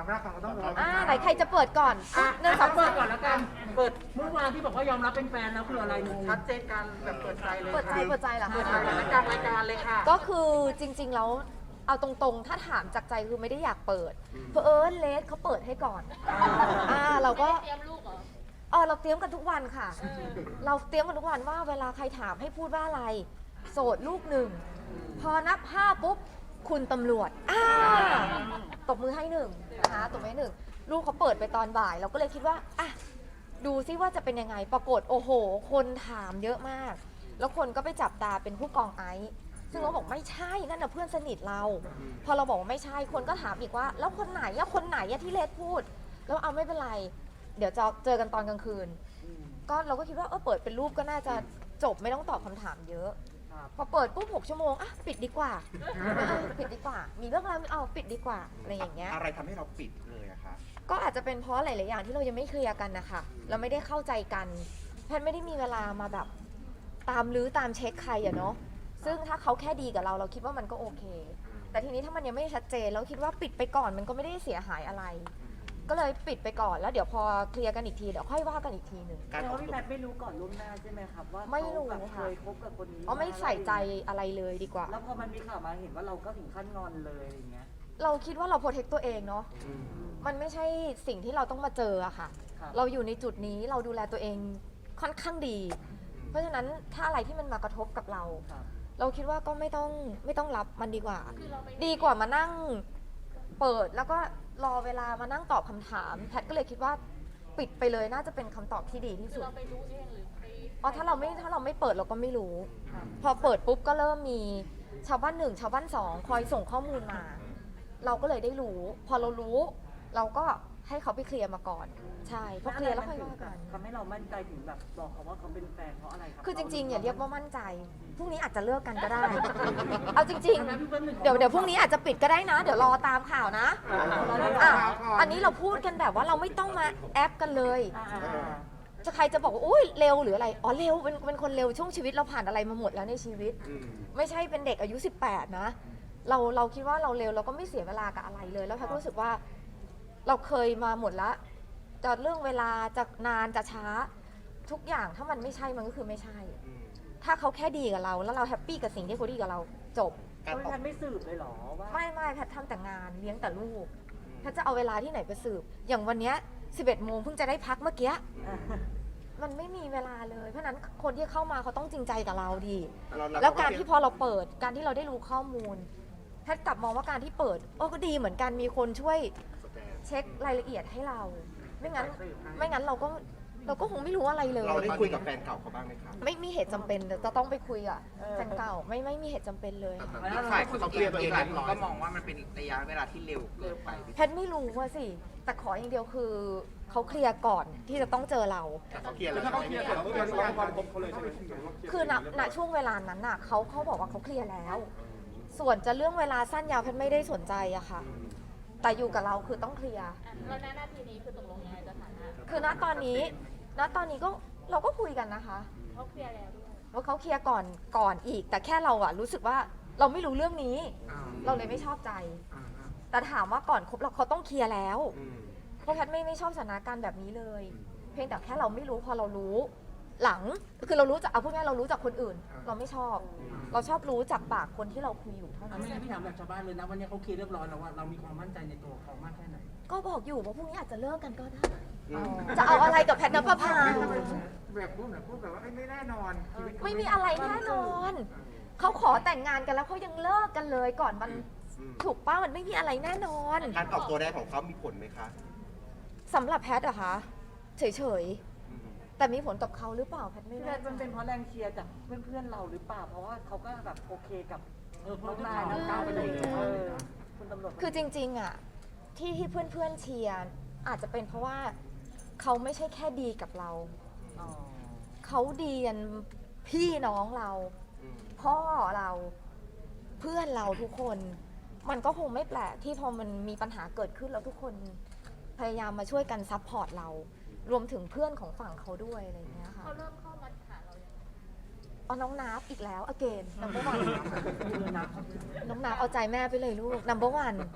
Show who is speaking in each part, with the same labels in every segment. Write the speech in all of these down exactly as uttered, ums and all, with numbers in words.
Speaker 1: ความรักของเราต้องรอ
Speaker 2: อ่าไหนใครจะเปิดก่อน
Speaker 3: อ่ะ
Speaker 2: หนึ่งสอง
Speaker 3: เปิ
Speaker 2: สา
Speaker 3: ด
Speaker 2: ม
Speaker 3: ก่อนแล้วกันเปิดเมื่อวานที่บอกว่ายอมรับเป็นแฟนแล้วคืออะไรชัดเจนกันแบบเปิดใจเลย
Speaker 2: เปิดใจเปิดใจเหรอ
Speaker 3: เปิดใจ
Speaker 2: คะ
Speaker 3: ในกลางรายการเลยค่ะ
Speaker 2: ก็คือจริงๆแล้วเอาตรงๆ ถ้าถามจากใจคือไม่ได้อยากเปิดเพอเอิญเลสเขาเปิดให้ก่อนอ่าเราก็เตรียมลูกเหรอเออเราเตรียมกันทุกวันค่ะ เราเตรียมกันทุกวันว่าเวลาใครถามให้พูดว่าอะไรโสดลูกหนึ่งพอนับห้าปุ๊บคุณตำรวจอ่าตบมือให้หนึ่งนะคะตบมือให้หนึ่งลูกเขาเปิดไปตอนบ่าย เราก็เลยคิดว่าอ่ะดูซิว่าจะเป็นยังไงปรากฏโอ้โห คนถามเยอะมาก แล้วคนก็ไปจับตาเป็นผู้กองไอซ์ซึ่งเราบอกไม่ใช่นั่นน่ะเพื่อนสนิทเรา พอเราบอกว่าไม่ใช่คนก็ถามอีกว่า แล้วคนไหนอะคนไหนอะที่เลดพูด แล้วเอาไม่เป็นไร เดี๋ยวจะเจอกันตอนกลางคืน ก็เราก็คิดว่าเออเปิดเป็นรูปก็น่าจะจบไม่ต้องตอบคำถามเยอะ พอเปิดปุ๊บหกชั่วโมงอ่ะปิดดีกว่าเออปิดดีกว่า มีเรื่องอะไรเอาปิดดีกว่าอะไรอย่างเงี้ย
Speaker 1: อะไรทำให้เราปิดเลยอะคะ
Speaker 2: ก็อาจจะเป็นเพราะหลาย ๆ อย่างที่เรายังไม่เคลียร์กันนะคะเราไม่ได้เข้าใจกันแพทย์ไม่ได้มีเวลามาแบบตามลื้อตามเช็คใครอะเนาะซึ่งถ้าเขาแค่ดีกับเราเราคิดว่ามันก็โอเค แต่ทีนี้ถ้ามันยังไม่ชัดเจนเราคิดว่าปิดไปก่อนมันก็ไม่ได้เสียหายอะไร ก็เลยปิดไปก่อนแล้วเดี๋ยวพอเคลียร์กันอีกทีเดี๋ยวค่อยว่ากันอีกทีหนึ่ง
Speaker 1: การ
Speaker 4: แต่
Speaker 1: ออ
Speaker 4: ว่าก พี่
Speaker 1: ตัว
Speaker 4: แพทย์ไม่รู้ก่อนล่วงหน้าใช่ไหมครับว่า
Speaker 2: ไม่รู้
Speaker 4: เขาแบบ
Speaker 2: ค่ะ
Speaker 4: เคยคบกับคนนี้
Speaker 2: อ๋อไม่ใส่ใจอะไรเลยดีกว่า
Speaker 4: แล้วพอมันมีข่าวมาเห็นว่าเราก็ถึงขั้นงอนเลยอย่างเงี้ย
Speaker 2: เราคิดว่าเราโปรเทคตัวเองเนาะ
Speaker 1: อืม
Speaker 2: มันไม่ใช่สิ่งที่เราต้องมาเจออะค่ะ
Speaker 4: ครับ
Speaker 2: เราอยู่ในจุดนี้เราดูแลตัวเองค่อนข้างดี เพราะฉะนั้นถ้าอะไรที่มันมากระทบกับเรา
Speaker 4: ครับ
Speaker 2: เราคิดว่าก็ไม่ต้องไม่ต้องรับมันดีกว่า ดีกว่ามานั่งเปิดแล้วก็รอเวลามานั่งตอบคำถามแพทย์ก็เลยคิดว่าปิดไปเลยน่าจะเป็นคำตอบที่ดีที่สุดเราไปรู้เองหรือไปอ๋อถ้าเราไม่ถ้าเราไม่เปิดเราก็ไม่รู้ พอเปิดปุ๊บก็เริ่มมีชาวบ้านหนึ่งชาวบ้านสองคอยส่งข้อมูลมา เราก็เลยได้รู้ พอเรารู้ เราก็ให้เขาไปเคลียร์มาก่อน ใช่พอเคลียร์แล้วค่อยว่ากัน
Speaker 4: ทำให้เรามั่นใจถึงแบบบอกเขาว่าเขาเป็นแฟนเพราะอะไรครับ
Speaker 2: คือจริงๆอย่าเรียกว่ามั่นใจ พรุ่งนี้อาจจะเลิกกันก็ได้ เอาจริงๆ เดี๋ยวเดี๋ยวพรุ่งนี้อาจจะปิดก็ได้นะ เดี๋ยวรอตามข่าวนะอ่ะอันนี้เราพูดกันแบบว่าเราไม่ต้องมาแอปกันเลย
Speaker 4: อ่า
Speaker 2: จะใครจะบอกว่าอุ้ยเร็วหรืออะไร อ๋อเร็วเป็นเป็นคนเร็วช่วงชีวิตเราผ่านอะไรมาหมดแล้วในชีวิต
Speaker 1: อืม
Speaker 2: ไม่ใช่เป็นเด็กอายุสิบแปดนะ เราเราคิดว่าเราเร็วเราก็ไม่เสียเวลากับอะไรเลย แล้วแพทย์ก็รู้สึกว่าเราเคยมาหมดแล้วจะเรื่องเวลาจะนานจะช้า ทุกอย่างถ้ามันไม่ใช่มันก็คือไม่ใช่
Speaker 1: อืม
Speaker 2: ถ้าเขาแค่ดีกับเรา แล้วเราแฮปปี้กับสิ่งที่เขาดีกับเราจบ
Speaker 1: การ
Speaker 4: พี่
Speaker 1: ออ
Speaker 4: แพ
Speaker 1: ก
Speaker 4: ทย์ไม่สืบเลยเหรอว่า
Speaker 2: ไม่ไม่แพทย์ทำแต่งานเลี้ยงแต่ลูกแพทย์จะเอาเวลาที่ไหนไปสืบ อย่างวันเนี้ยสิบเอ็ดโมงเพิ่งจะได้พักเมื่อกี้ มันไม่มีเวลาเลย เพราะฉะนั้นคนที่เข้ามาเขาต้องจริงใจกับเราดี แล้วการที่พอเราเปิด การที่เราได้รู้ข้อมูล แพทย์กลับมองว่าการที่เปิดโอ้ก็ดีเหมือนกัน มีคนช่วยเช็ครายละเอียดให้เรา ไม่งั้น ไม่งั้นเราก็เราก็คงไม่รู้อะไรเลย
Speaker 1: เราได้คุยกับแฟนเก่าเขาบ้างไหมคะ
Speaker 2: ไม่มีเหตุจำเป็นจะต้องไปคุยอ่ะแฟนเก่าไม่ไม่มีเหตุจำเป็นเลย
Speaker 5: อีกฝ่ายเขาเคลียร์ตัวเองแล้วก็มองว่ามันเป็นระยะเวลาที่เร็วเกินไป
Speaker 2: แพทย์ไม่รู้ว่าสิ แต่ขออย่างเดียวคือเขาเคลียร์ก่อนที่จะต้องเจอเรา
Speaker 1: แต่เขาเคลียร์แล้ว
Speaker 6: ถ้าเขาเคลียร์เสร็จเขาจะวางความคบเขาเลยใช่ไหม
Speaker 2: คือณณช่วงเวลานั้นน่ะเขาเขาบอกว่าเขาเคลียร์แล้ว ส่วนจะเรื่องเวลาสั้นยาวแพทย์ไม่ได้สนใจอะค่ะ แต่อยู่กับเราคือต้องเคลียร์
Speaker 7: แล้วณนาทีนี้คือตกลงยังไงสถานะ
Speaker 2: คือณตอนนี้ ณตอนนี้ก็เราก็คุยกันนะคะ
Speaker 7: เขาเคลียร์แล้วด้วย
Speaker 2: ว่าเขาเคลียร์ก่อนก่อนอีก แต่แค่เราอะรู้สึกว่าเราไม่รู้เรื่องนี้ เราเลยไม่ชอบใจ แต่ถามว่าก่อนคบเราเขาต้องเคลียร์แล้ว
Speaker 1: อืม
Speaker 2: เพราะแพทย์ไม่ไม่ชอบสถานการณ์แบบนี้เลย เพียงแต่แค่เราไม่รู้พอเรารู้ หลังคือเรารู้จากเอาพูดง่ายๆเรารู้จากคนอื่น เราไม่ชอบ เราชอบรู้จากปากคนที่เราคุยอยู่เท่า
Speaker 3: อ่ะ
Speaker 2: นั้น
Speaker 3: ไม่งั้นพี่ถามแบบชาวบ้านเลยนะวันนี้เขาเคลียร์เรียบร้อยแล้วว่าเรามีความมั่นใจในตัวเขามากแค่ไหน
Speaker 2: ก็บอกอยู่ว่าพรุ่งนี้อาจจะเลิกกันก็ได้
Speaker 1: อืม
Speaker 2: จะเอาอะไรกับแพทย์นภพา
Speaker 6: แบบพูดแบบพูดแบบว่าไม่แน่นอนชีวิตเขา
Speaker 2: ไม่มีอะไรแน่นอน เขาขอแต่งงานกันแล้วเขายังเลิกกันเลยก่อนมัน
Speaker 1: อืม
Speaker 2: ถูกป้ามันไม่มีอะไรแน่นอน
Speaker 1: การออกตัวแรกของเขามีผลไหมคะ
Speaker 2: สำหรับแพทย์อะคะเฉย
Speaker 1: อืม
Speaker 2: ๆ แต่มีผลกับเขาหรือเปล่าแพทย์ไม่
Speaker 4: พี่แพ
Speaker 2: แน่
Speaker 4: ทย์
Speaker 2: ใจ
Speaker 4: มันเป็นเพราะแรงเชียร์จากเพื่อนๆเราหรือเปล่า เพราะว่าเขาก็แบบโอเคกับ
Speaker 3: เออเพ
Speaker 4: น้
Speaker 3: ราะ
Speaker 4: อง
Speaker 3: ที่
Speaker 4: นาย
Speaker 3: ข่าว
Speaker 4: น้องก้าวไปเลยเออคุณตำรวจ
Speaker 2: คือจริงๆอะที่ที่เพื่อนๆเชียร์อาจจะเป็นเพราะว่าเขาไม่ใช่แค่ดีกับเรา
Speaker 4: อ๋อ
Speaker 2: เขาดีกันพี่น้องเรา
Speaker 1: อืม
Speaker 2: พ่อเราเพื่อนเราทุกคน มันก็คงไม่แปลกที่พอมันมีปัญหาเกิดขึ้นแล้วทุกคนพยายามมาช่วยกันซัพพอร์ตเรา รวมถึงเพื่อนของฝั่งเขาด้วยอะไรอย่างเงี้ยค่ะ
Speaker 7: เขาเริ่มเข้ามาหาเรายังไง
Speaker 2: เอาน้องนับอีกแล้วอเกนนัมเบอร์วัน
Speaker 3: คือนะ
Speaker 2: น้องนับเอาใจแม่ไปเลยลูกนัมเบอร์วัน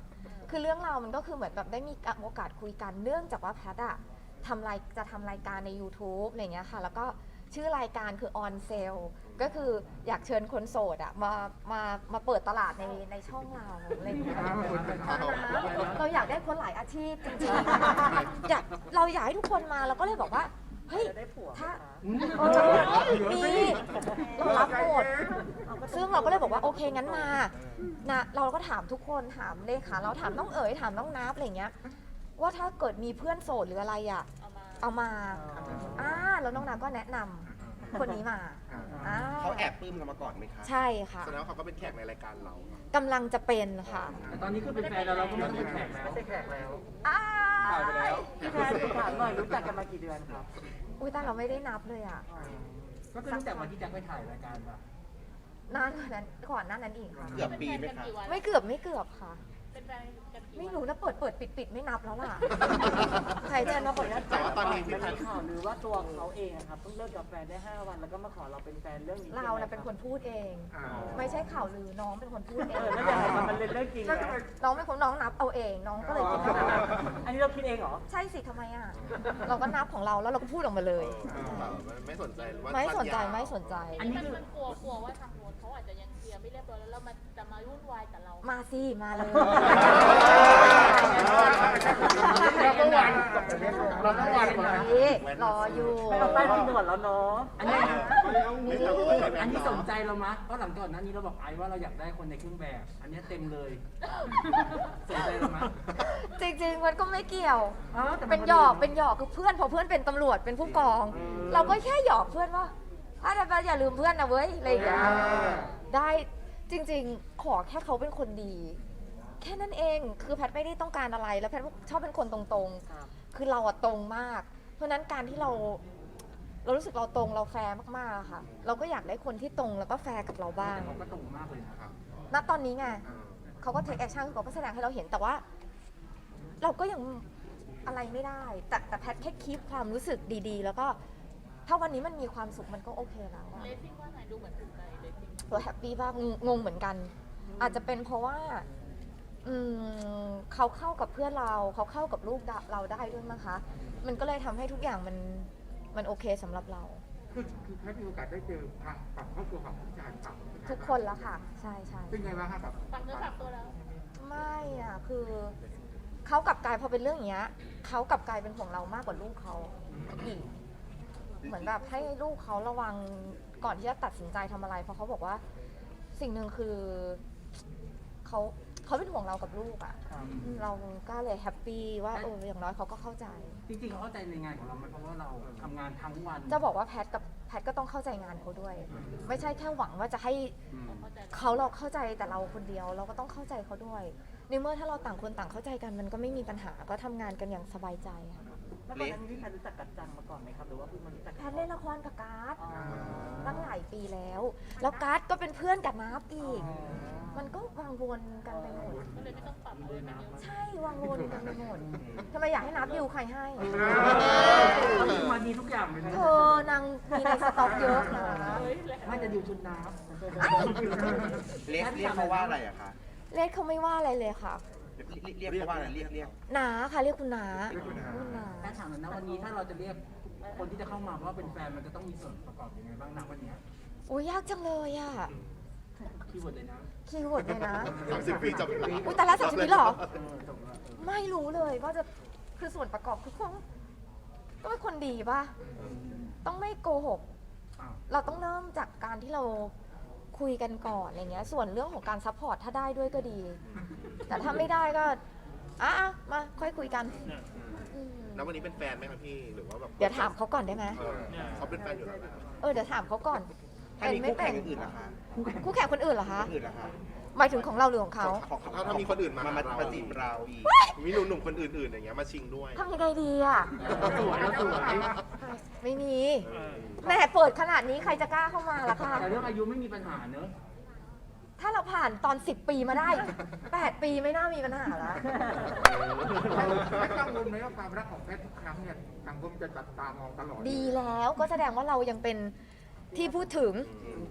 Speaker 2: คือเรื่องราวมันก็คือเหมือนแบบได้มีโอกาสคุยกันเนื่องจากว่าแพทอะทำรายจะทำรายการใน YouTube อะไรเงี้ยค่ะแล้วก็ชื่อรายการคือ On Sale ก็คืออยากเชิญคนโสดอะมามามาเปิดตลาดในในช่องเราอะไรเงี้ยเราอยากได้คนหลายอาชีพจริงๆอยากเราอยากให้ทุกคนมาเราก็เลยบอกว่าเฮ้ย
Speaker 4: จะได้ผัวไหม
Speaker 2: ถ้า
Speaker 4: คะ
Speaker 2: เออมีเรารับหมดซึ่งเราก็เลยบอกว่าโอเคงั้นมานะเราก็ถามทุกคนถามเลขาเราถามน้องเอ๋ยถามน้องนับอะไรเงี้ยว่าถ้าเกิดมีเพื่อนโสดหรืออะไรอ่ะ
Speaker 7: เอามา
Speaker 2: เอามาอ่าแล้วน้องนับก็แนะนำคนนี้มาอ่า
Speaker 1: เขาแอบปลื้มเรามาก่อนไหมคะ
Speaker 2: ใช่ค่ะ
Speaker 1: แสดงว่าเขาก็เป็นแขกในรายการเรา
Speaker 2: กำลังจะเป็นค่ะ
Speaker 3: แต่ตอนนี้คือเป็นแฟนแล้วเราก็ไม่ต้องเป็นแขกแล้ว
Speaker 4: ไม่ใช่แขกแล้ว
Speaker 2: อ้า
Speaker 1: ถ่ายไปแล้ว
Speaker 4: พี่แพนถามหน่อยรู้จักกันมากี่เดือนครับ
Speaker 2: อุ้ยแต่เราไม่ได้นับเลยอ่ะ
Speaker 3: ก็คือตั้งแต่วันที่แจ็คไปถ่ายรายการป่ะ
Speaker 2: นานกว่านั้นก่อนหน้านั้นอีกค่ะ
Speaker 1: เกือบปีไหมคะ
Speaker 2: ไม่เกือบไม่เกือบค่ะ
Speaker 7: เป็นแฟนกันกี่วัน
Speaker 2: ไม่รู้นะเปิดเปิดปิดปิดไม่นับแล้วล่ะ ใครเจอมาเปิดแล้ว
Speaker 1: แต่ว่าตอนนี้
Speaker 4: มันมีข่าวหรือว่าตัวเขาเองอะครับเพิ่งเลิกกับแฟนได้ห้าวันแล้วก็มาขอเราเป็นแฟนเรื่องนี้
Speaker 2: เราน่ะเป็นคนพูดเอง ไม่ใช่ข่าวลือน้องเป็นคนพูดเอ
Speaker 4: เอง อแล้วยังไงมันเป็นเรื่องจริงนะ
Speaker 2: น้องเป็นคนน้องนับเอาเอง น้องก็เลยคิดว่า
Speaker 4: อันนี้เราคิดเองเหรอ
Speaker 2: ใช่สิทำไมอ่ะ เราก็นับของเราแล้วเราก็พูดออกมาเลย
Speaker 1: ไม่สนใจว่า
Speaker 2: ไม่สนใจไม่สนใจ
Speaker 3: อันนี้
Speaker 7: มัน
Speaker 3: คือ
Speaker 7: มันกลัวกลัวว่าทางโน้นเขาอาจจะยังเคลียร์ไม่เรียบร้อยแล้วแล้วมันจะมาวุ่นวายกับเรา
Speaker 2: มาสิมาเลย
Speaker 6: เราก็วันเราก็วันมา
Speaker 2: รออยู่
Speaker 4: ไม่เอาป้ายที่หนวดแล้วเนาะ
Speaker 3: อันนี้อันนี้สนใจเรามะเพราะหลังก่อนหน้านี้เราบอกไอ้ว่าเราอยากได้คนในเครื่องแบบ อันนี้เต็มเลยสนใจเรามะ
Speaker 2: จริงๆมันก็ไม่เกี่ยว
Speaker 3: อ๋อแต่มั
Speaker 2: เป็นหยอกเป็นหยอกคือเพื่อนพอเพื่อนเป็นตำรวจเป็นผู้กอง เราก็แค่หยอกเพื่อนว่าถ้าแต่อย่าลืมเพื่อนนะเว้ยอะไรอย่างเงี้ยได้จริงๆขอแค่เขาเป็นคนดี แค่นั้นเองคือแพทย์ไม่ได้ต้องการอะไรแล้วแพทย์ชอบเป็นคนตรงๆ คือเราอะตรงมาก เพราะฉะนั้นการที่เรา เรารู้สึกเราตรงเราแฟร์มากๆอะค่ะ เราก็อยากได้คนที่ตรงแล้วก็แฟร์กับเราบ้าง
Speaker 3: เขาก็ตรงมากเลยนะครับ
Speaker 2: ณตอนนี้ไงเขาก็เทคแอคชั่นเขาก็แสดงให้เราเห็นแต่ว่า เราก็ยังอะไรไม่ได้ แต่แต่แพทย์แค่คีปความรู้สึกดีๆ แล้วก็ถ้าวันนี้มันมีความสุขมันก็โอเคแล้วอะ
Speaker 7: เลสซิ่งว่าไงดูเหมือนถูกใจเลสซิ่ง
Speaker 2: เราแฮปปี้บ้างงงเหมือนกัน อาจจะเป็นเพราะว่า อืมเขาเข้ากับเพื่อนเราเขาเข้ากับลูกเราได้ด้วยมั้งคะ มันก็เลยทำให้ทุกอย่างมันมันโอเคสำหรับเรา
Speaker 6: คือคือแค่มีโอกาสได้เจอทางฝั่งครอบครัวของผู้ชายฝั่ง
Speaker 2: ทุกคนแล้วค่ะ ใช่ใช่
Speaker 6: เป็นไงบ้างครับแบบ
Speaker 7: ฝากเนื้อฝากตัวแล้ว
Speaker 2: ไม่อ่ะคือเขากลับกลายพอเป็นเรื่องอย่างเงี้ยเขากลับกลายเป็นห่วงเรามากกว่าลูกเขาอีกเหมือนแบบให้ลูกเขาระวังก่อนที่จะตัดสินใจทำอะไร เพราะเขาบอกว่าสิ่งหนึ่งคือเขาเขาเป็นห่วงเรากับลูกอ่ะเราก็เลยแฮปปี้ว่าเอออย่างน้อยเขาก็เข้าใจ
Speaker 3: จริงๆเขาเข้าใจในงานของเราไหมเพราะว่าเราทำงานทั้งวัน
Speaker 2: จะบอกว่าแพทกับแพทก็ต้องเข้าใจงานเขาด้วย ไม่ใช่แค่หวังว่าจะให้
Speaker 3: อืม
Speaker 7: เข้าใจ
Speaker 2: เขาเราเข้าใจแต่เราคนเดียวเราก็ต้องเข้าใจเขาด้วยในเมื่อถ้าเราต่างคนต่างเข้าใจกันมันก็ไม่มีปัญหาก็ทำงานกันอย่างสบายใจค่ะ
Speaker 4: แล้วก่อนหน้านี้พี่แพนรู้จักกันจังมาก่อนไหมครับหรือว่าเพิ่งมารู้จัก
Speaker 2: แพทเล่นละครกับการ์ด
Speaker 4: อ๋อ
Speaker 2: ตั้งหลายปีแล้ว แล้วการ์ดก็เป็นเพื่อนกับนับอีก มันก็วางวนกันไปหมด
Speaker 7: ก็เลยไม่ต้องปรับอะไรกันเยอะ
Speaker 2: ใช่วางวนกันไปหมดทำไมอยากให้นับดิวใครให้
Speaker 3: เขาคือมาดีทุกอย่างเลยนะ
Speaker 2: เธอนางมีในสต็อกเยอะนะ
Speaker 7: เฮ้ยแหละ
Speaker 3: ไม่จะดิวชุดน้
Speaker 1: เรียกเรียกเขาว่าอะไรอะคะ
Speaker 2: เลขเขาไม่ว่าอะไรเลยค่ะ
Speaker 1: เรียกเรียกเขาว่าอะไรเรียกเรียก
Speaker 2: นาค่ะเรียกคุณนา
Speaker 1: เรียกคุณน้า
Speaker 2: คุณนา
Speaker 3: ำถ้าถามหน่อยนะวันนี้ถ้าเราจะเรียกคนที่จะเข้ามาว่าเป็นแฟนมันจะต้องมีส่วนประกอบยังไงบ้างนะวันนี้
Speaker 2: โอ้ยยากจังเลยอ่ะ
Speaker 3: คีย์เวิร์ดเลยนะ
Speaker 2: คีย์เวิร์ดเลยนะ
Speaker 1: สามสิบปีจบแล้ว
Speaker 2: อุ๊ยแต่ละสามสิบปีเหรอ
Speaker 3: เออจบแล้วเออ
Speaker 2: ไม่รู้เลยว่าจะคือส่วนประกอบคือต้องต้องเป็นคนดีป่ะ ต้องไม่โกหก
Speaker 3: อ้าว
Speaker 2: เราต้องเริ่มจากการที่เราคุยกันก่อนอะไรเงี้ย ส่วนเรื่องของการซัพพอร์ตถ้าได้ด้วยก็ดี แต่ถ้าไม่ได้ก็อ่ะอ่ะมาค่อยคุยกันอืม
Speaker 1: แล้ววันนี้เป็นแฟนไหมครับพี่หรือว่าแบบ
Speaker 2: เดี๋ยวถามเขาก่อนได้ไหม
Speaker 1: เออเขาเป็นแฟนอยู่แล้วนะครับ
Speaker 2: เออเดี๋ยวถามเขาก่อน
Speaker 1: ถ้ามีคู่แข่งอื่นๆล่ะคะ
Speaker 2: คู่แข่งคนอื่นเหรอคะ
Speaker 1: คนอื่นล่ะคะ
Speaker 2: หมายถึงของเราหรือของเขา
Speaker 1: ของเขาถ้ามีคนอื่นมามามาจีบเราอีกมีหนุ่มๆคนอื่นๆอย่างเงี้ยมาชิงด้วย
Speaker 2: ทำยังไงดีอ่ะ
Speaker 3: เราสวยเราสวย
Speaker 2: ไม่มีแหม่เปิดขนาดนี้ใครจะกล้าเข้ามาล่ะคะ
Speaker 3: แต่เรื่องอายุไม่มีปัญหาเนอะ
Speaker 2: ถ้าเราผ่านตอนสิบปีมาได้แปดปีไม่น่ามีปัญหาแล้ว
Speaker 6: ไม่กังวลไหมว่าความรักของแพทย์ทุกครั้งเนี่ยสังคมจะจับตามองตลอด
Speaker 2: ดีแล้วก็แสดงว่าเรายังเป็นที่พูดถึง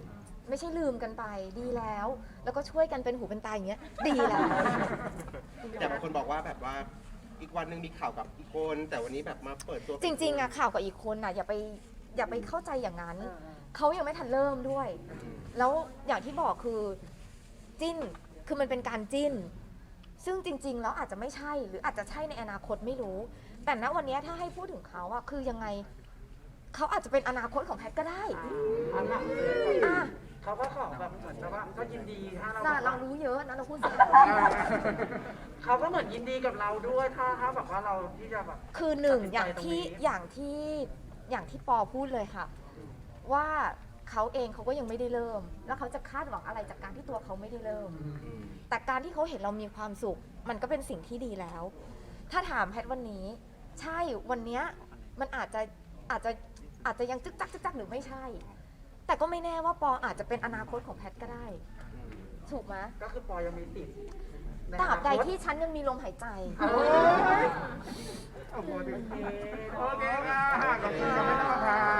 Speaker 2: ไม่ใช่ลืมกันไปดีแล้ว แล้วก็ช่วยกันเป็นหูเป็นตาอย่างเงี้ยดีแล้ว
Speaker 1: แต่บางคนบอกว่าแบบว่าอีกวันหนึ่งมีข่าวกับอีกคนแต่วันนี้แบบมาเปิดตัว
Speaker 2: จริงๆอะข่าวกับอีกคนอะอย่าไปอย่าไปเข้าใจอย่างนั้น เขายังไม่ทันเริ่มด้วย แล้วอย่างที่บอกคือจิ้นคือมันเป็นการจิ้น ซึ่งจริงๆแล้วอาจจะไม่ใช่หรืออาจจะใช่ในอนาคตไม่รู้ แต่ณวันนี้ถ้าให้พูดถึงเขาอะคือยังไงเขาอาจจะเป็นอนาคตของแพทย์ก็ได้
Speaker 4: อันนั้น
Speaker 2: อ่ะ
Speaker 4: เขาก็ขอแบบเหมือนกับว่าก็ยินดีถ้าเรา
Speaker 2: น่ะเรารู้เยอะนะเราพูดสิ
Speaker 4: เขาก็เหมือนยินดีกับเราด้วยถ้าถ้าแบบว่าเราที่จะแบบ
Speaker 2: คือหนึ่ง
Speaker 4: ตัดสินใจ
Speaker 2: อย่างที่
Speaker 4: ตรงนี้
Speaker 2: อย่างที่อย่างที่ปอพูดเลยค่ะ ว่าเขาเองเขาก็ยังไม่ได้เริ่ม แล้วเขาจะคาดหวังอะไรจากการที่ตัวเขาไม่ได้เริ่ม แต่การที่เขาเห็นเรามีความสุข มันก็เป็นสิ่งที่ดีแล้ว ถ้าถามแพทย์วันนี้ ใช่วันเนี้ยมันอาจจะอาจจะอาจจะยังจึกจักจึกจักหรือไม่ใช่ แต่ก็ไม่แน่ว่าปออาจจะเป็นอนาคตของแพทย์ก็ได้ ถูกไหม
Speaker 4: ก็คือปอยังมีติดใน
Speaker 2: ตราบใด
Speaker 4: อนาคต
Speaker 2: ที่ฉันยังมีลมหายใจ
Speaker 4: โอ้ย
Speaker 6: โอเคค่ะขอบคุณค่ะ